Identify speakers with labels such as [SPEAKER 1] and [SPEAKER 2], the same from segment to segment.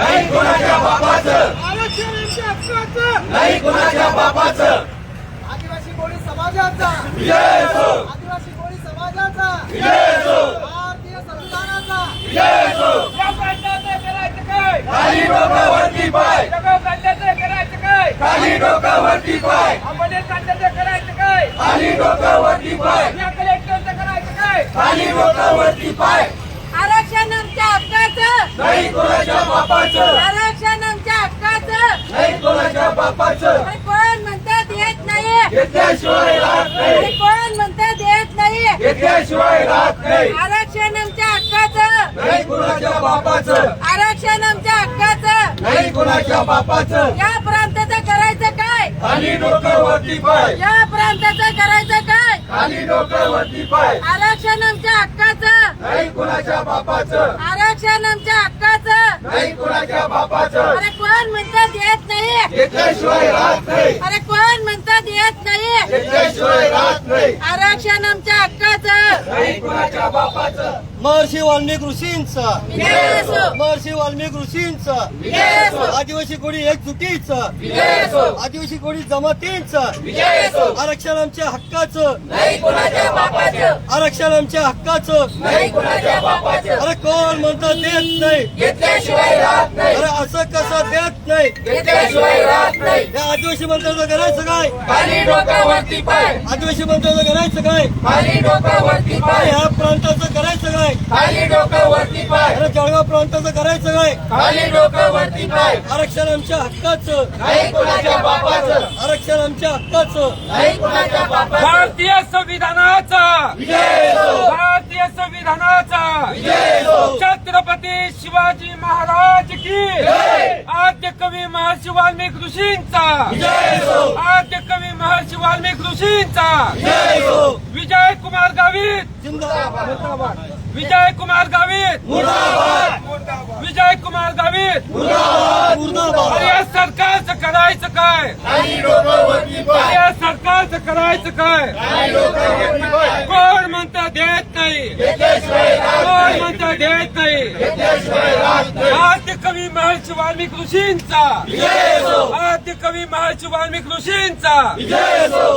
[SPEAKER 1] नाही कोणाच्या बापाचं,
[SPEAKER 2] आरक्षणाच्या हक्काचं
[SPEAKER 1] नाही कोणाच्या बापाचं.
[SPEAKER 2] आदिवासी कोळी समाजाचा
[SPEAKER 1] विजय असो,
[SPEAKER 2] आदिवासी कोळी समाजाचा
[SPEAKER 1] विजय असो,
[SPEAKER 2] भारतीय संविधानाचा
[SPEAKER 1] विजय असो.
[SPEAKER 2] या प्रांताचं करायचं काय?
[SPEAKER 1] खाली डोकं वरती पाय,
[SPEAKER 2] सगळं प्रांताचं करायचं काय?
[SPEAKER 1] खाली डोकं वरती पाय,
[SPEAKER 2] आपण प्रांताचं करायचं काय?
[SPEAKER 1] खाली डोकं वरती पाय,
[SPEAKER 2] या कलेक्टरचं करायचं काय?
[SPEAKER 1] खाली डोकं वरती पाय.
[SPEAKER 3] आरक्षण आमच्या हक्काचं,
[SPEAKER 1] नाही कोणाच्या बापाचं,
[SPEAKER 3] आरक्षण आमच्या हक्काचं.
[SPEAKER 1] नाही कोणाच्या बापाचं.
[SPEAKER 3] अरे कोण म्हणतात येत नाही,
[SPEAKER 1] घेतल्याशिवाय राहत
[SPEAKER 3] अरे
[SPEAKER 1] नाही,
[SPEAKER 3] कोण म्हणतात येत नाही.
[SPEAKER 1] घेतल्याशिवाय राहत नाही.
[SPEAKER 3] आरक्षण आमच्या हक्काचं,
[SPEAKER 1] नाही कोणाच्या बापाचं,
[SPEAKER 3] आरक्षण आमच्या हक्काचं.
[SPEAKER 1] नाही कोणाच्या बापाचं.
[SPEAKER 3] या प्रांताचं करायचं काय?
[SPEAKER 1] खाली डोकं वरती पाय,
[SPEAKER 3] या प्रांताचं करायचं काय?
[SPEAKER 1] खाली डोकं वरती पाय,
[SPEAKER 3] आरक्षण आमच्या हक्काचं,
[SPEAKER 1] नाही कोणाच्या बापाचं,
[SPEAKER 3] आरक्षण आमच्या हक्काचं.
[SPEAKER 1] नाही कोणाच्या बापाचं.
[SPEAKER 3] अरे कोण म्हणतात येत नाही,
[SPEAKER 1] घेतल्याशिवाय राहत नाही,
[SPEAKER 3] अरे कोण म्हणतात येत नाही.
[SPEAKER 1] घेतल्याशिवाय राहत नाही,
[SPEAKER 3] आरक्षण आमच्या हक्काचं.
[SPEAKER 1] नाही कोणाच्या बापाचं.
[SPEAKER 4] महर्षी वाल्मिक ऋषींचा,
[SPEAKER 3] विजय असो,
[SPEAKER 4] महर्षी वाल्मिक ऋषींचा,
[SPEAKER 3] विजय असो,
[SPEAKER 4] आदिवासी कोळी एकजुटीचा,
[SPEAKER 3] विजय असो,
[SPEAKER 4] आदिवासी कोळी जमातींचा,
[SPEAKER 3] विजय असो.
[SPEAKER 4] आरक्षण आमच्या हक्काचं,
[SPEAKER 3] नाही कोणाच्या बापाचं,
[SPEAKER 4] आरक्षण आमच्या हक्काचं.
[SPEAKER 3] नाही कोणाच्या बापाचं.
[SPEAKER 4] अरे कोण म्हणतं देत नाही,
[SPEAKER 3] घेतल्याशिवाय राहत नाही,
[SPEAKER 4] अरे असं कसं देत नाही.
[SPEAKER 3] घेतल्याशिवाय राहत नाही.
[SPEAKER 4] या आदिवासी मंत्र्याचं करायचं काय,
[SPEAKER 3] खाली डोकं वरती पाय,
[SPEAKER 4] आदिवासी मंत्र्याचं करायचं काय,
[SPEAKER 3] खाली डोकं वरती
[SPEAKER 4] अरे
[SPEAKER 3] पाय,
[SPEAKER 4] ह्या प्रांताचं करायचं काय,
[SPEAKER 3] खाली डोकं वरती पाय,
[SPEAKER 4] अरे जळगाव प्रांताचं करायचं काय.
[SPEAKER 3] खाली डोकं वरती पाय.
[SPEAKER 4] आरक्षण आमच्या हक्काचं,
[SPEAKER 3] नाही कोणाच्या बापाचं,
[SPEAKER 4] आरक्षण आमच्या हक्काचं.
[SPEAKER 3] नाही कोणाच्या बापाचं.
[SPEAKER 2] भारतीय संविधानाचा
[SPEAKER 1] विजय असो,
[SPEAKER 2] भारतीय संविधानाचा
[SPEAKER 1] विजय असो.
[SPEAKER 2] छत्रपती शिवाजी महाराज की
[SPEAKER 1] जय.
[SPEAKER 2] आद्य कवी महर्षी वाल्मिक ऋषींचा,
[SPEAKER 1] विजय असो,
[SPEAKER 2] आद्य कवी महर्षी वाल्मिक ऋषींचा.
[SPEAKER 1] विजय असो.
[SPEAKER 2] विजय कुमार गावित,
[SPEAKER 4] जिंदाबाद,
[SPEAKER 2] विजय कुमार गावित,
[SPEAKER 1] मुर्दाबाद,
[SPEAKER 2] विजय कुमार गावित.
[SPEAKER 1] मुर्दाबाद.
[SPEAKER 4] मुर्दाबाद.
[SPEAKER 2] अरे या सरकारचं करायचं काय?
[SPEAKER 1] खाली डोकं वरती
[SPEAKER 2] अरे
[SPEAKER 1] पाय,
[SPEAKER 2] या सरकारचं करायचं काय?
[SPEAKER 1] खाली डोकं वरती पाय.
[SPEAKER 2] कोण म्हणतं देत नाही,
[SPEAKER 1] घेतल्याशिवाय राहत
[SPEAKER 2] कोण
[SPEAKER 1] नाही,
[SPEAKER 2] म्हणतं देत नाही.
[SPEAKER 1] घेतल्याशिवाय राहत नाही.
[SPEAKER 2] आद्य कवी महर्षी वाल्मिक ऋषींचा,
[SPEAKER 1] विजय असो,
[SPEAKER 2] आद्य कवी महर्षी वाल्मिक ऋषींचा.
[SPEAKER 1] विजय असो,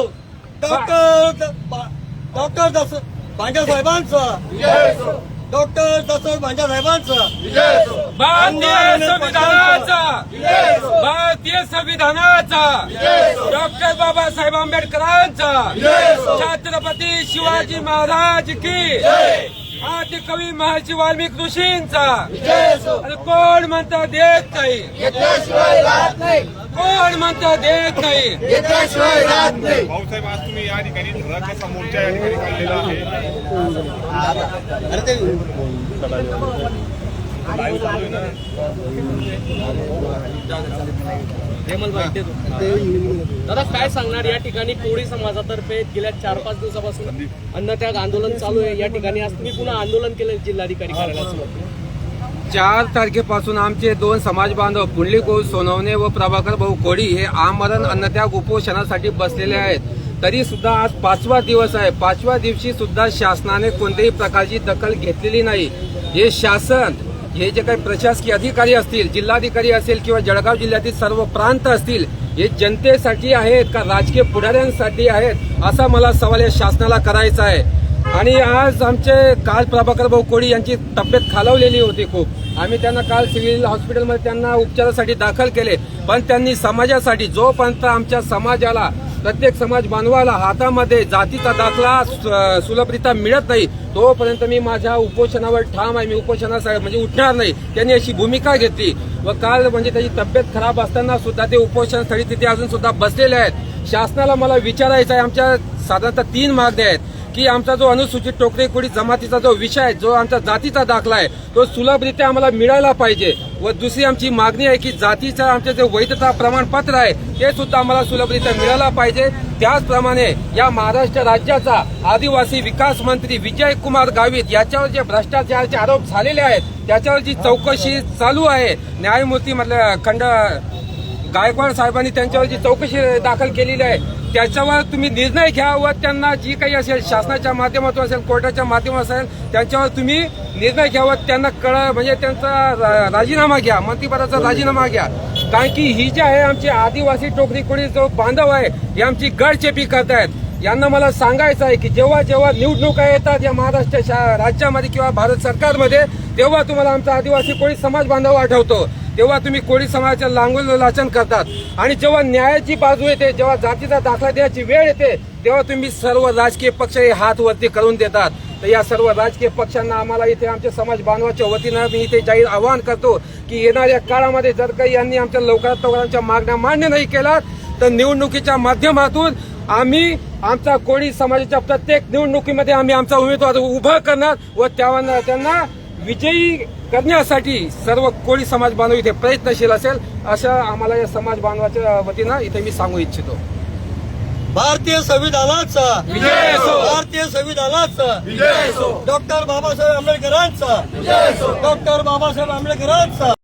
[SPEAKER 4] डॉक्टर भांजा साहेबांचा,
[SPEAKER 1] विजय असो,
[SPEAKER 4] डॉक्टर दशरथ भांजा साहेबांचा,
[SPEAKER 1] विजय असो,
[SPEAKER 2] भारतीय संविधानाचा,
[SPEAKER 1] विजय असो,
[SPEAKER 2] भारतीय संविधानाचा,
[SPEAKER 1] विजय असो,
[SPEAKER 2] डॉक्टर बाबासाहेब आंबेडकरांचा,
[SPEAKER 1] विजय असो.
[SPEAKER 2] छत्रपती शिवाजी महाराज की
[SPEAKER 1] जय.
[SPEAKER 2] आद्य कवी महर्षी वाल्मिक ऋषींचा.
[SPEAKER 1] विजय असो.
[SPEAKER 2] अरे कोण म्हणतं देत नाही,
[SPEAKER 1] घेतल्याशिवाय राहत नाही,
[SPEAKER 2] कोण म्हणतं देत नाही.
[SPEAKER 1] घेतल्याशिवाय राहत नाही.
[SPEAKER 5] भाऊसाहेब आज तुम्ही या ठिकाणी धरणाचा मोर्चा या ठिकाणी काढलेला आहे.
[SPEAKER 4] अरे ते
[SPEAKER 5] लाईव्ह चालू आहे ना.
[SPEAKER 6] दादा काय सांगणार या ठिकाणी कोळी समाजातर्फे गेल्या 4-5 दिवसापासून अन्नत्याग आंदोलन चालू आहे. या ठिकाणी आज तुम्ही पुन्हा आंदोलन केलं जिल्हाधिकारी कार्यालयासमोर.
[SPEAKER 7] 4 तारखेपासून आमचे 2 समाज बांधव पुंडलिक सोनवणे व प्रभाकर भाऊ कोळी हे आमरण अन्नत्याग उपोषणासाठी बसलेले आहेत. तरी सुद्धा आज 5वा दिवस आहे. 5व्या दिवशी सुद्धा शासनाने कोणत्याही प्रकारची दखल घेतलेली नाही. हे शासन, हे जे काही प्रशासकीय अधिकारी असतील, जिल्हाधिकारी असेल किंवा जळगाव जिल्ह्यातील सर्व प्रांत असतील, हे जनतेसाठी आहेत का राजकीय पुढाऱ्यांसाठी आहेत, असा मला सवाल या शासनाला करायचा आहे. आणि आज काल प्रभाकर भाऊ कोळी यांची तब्येत खालावलेली होती खूप. आम्ही त्यांना काल सिव्हिल हॉस्पिटलमध्ये त्यांना उपचारासाठी दाखल केले, पण त्यांनी समाजासाठी, जोपर्यंत आमच्या समाजाला, प्रत्येक समाज बांधवाला हातामध्ये जातीचा दाखला सुलभरित्या मिळत नाही, तोपर्यंत मी माझ्या उपोषणावर ठाम आहे. मी उपोषणासाठी म्हणजे उठणार नाही. त्यांनी अशी भूमिका घेतली व काल म्हणजे त्याची तब्येत खराब असताना सुद्धा ते उपोषणास्थळी तिथे अजून सुद्धा बसलेले आहेत. शासनाला मला विचारायचं आहे, आमच्या साधारणतः 3 मागण्या आहेत की आमचा जो अनुसूचित टोकरी कोळी जमातीचा जो विषय आहे, जो आमचा जातीचा दाखला आहे, तो सुलभरित्या आम्हाला मिळायला पाहिजे. व दुसरी आमची मागणी आहे की जातीचं आमचे जे वैधता प्रमाणपत्र आहे ते सुद्धा आम्हाला सुलभरित्या मिळायला पाहिजे. त्याचप्रमाणे या महाराष्ट्र राज्याचा आदिवासी विकास मंत्री विजय कुमार गावित याच्यावर जे भ्रष्टाचाराचे आरोप झालेले आहेत त्याच्यावर जी चौकशी चालू आहे, न्यायमूर्ती गायकवाड साहेबांनी त्यांच्यावरची चौकशी दाखल केलेली आहे त्याच्यावर तुम्ही निर्णय घ्या व त्यांना जी काही असेल शासनाच्या माध्यमातून असेल कोर्टाच्या माध्यमातून असेल त्यांच्यावर तुम्ही निर्णय घ्या व त्यांना म्हणजे त्यांचा राजीनामा घ्या मंत्रिपदाचा राजीनामा घ्या कारण की ही जी आहे आमची आदिवासी टोकरी कोळी जो बांधव आहे हे आमची गडचेपी करतायत यांना मला सांगायचं आहे की जेव्हा जेव्हा निवडणुका येतात या महाराष्ट्र राज्यामध्ये किंवा भारत सरकारमध्ये तेव्हा तुम्हाला आमचा आदिवासी कोळी समाज बांधव आठवतो तेव्हा तुम्ही कोळी समाजाच्या लांगूल लाचन करतात आणि जेव्हा न्यायाची बाजू येते जेव्हा जातीचा दाखला द्यायची वेळ येते तेव्हा तुम्ही सर्व राजकीय पक्ष हे हात वरती करून देतात तर या सर्व राजकीय पक्षांना आम्हाला इथे आमच्या समाज बांधवाच्या वतीनं मी इथे जाहीर आवाहन करतो की येणाऱ्या काळामध्ये जर काही यांनी आमच्या लवकरात लवकर आमच्या मागण्या मान्य नाही केल्या तर निवडणुकीच्या माध्यमातून आम्ही आमचा कोळी समाजाच्या प्रत्येक निवडणुकीमध्ये आम्ही आमचा उमेदवार उभा करणार व त्यांना विजयी करण्यासाठी सर्व कोळी समाज बांधव इथे प्रयत्नशील असेल असं आम्हाला या समाज बांधवाच्या वतीनं इथे मी सांगू इच्छितो
[SPEAKER 4] भारतीय संविधानाचा
[SPEAKER 1] विजय असो.
[SPEAKER 4] भारतीय संविधानाचा
[SPEAKER 1] विजय असो.
[SPEAKER 4] डॉक्टर बाबासाहेब आंबेडकरांचा
[SPEAKER 1] विजय असो.
[SPEAKER 4] डॉक्टर बाबासाहेब आंबेडकरांचा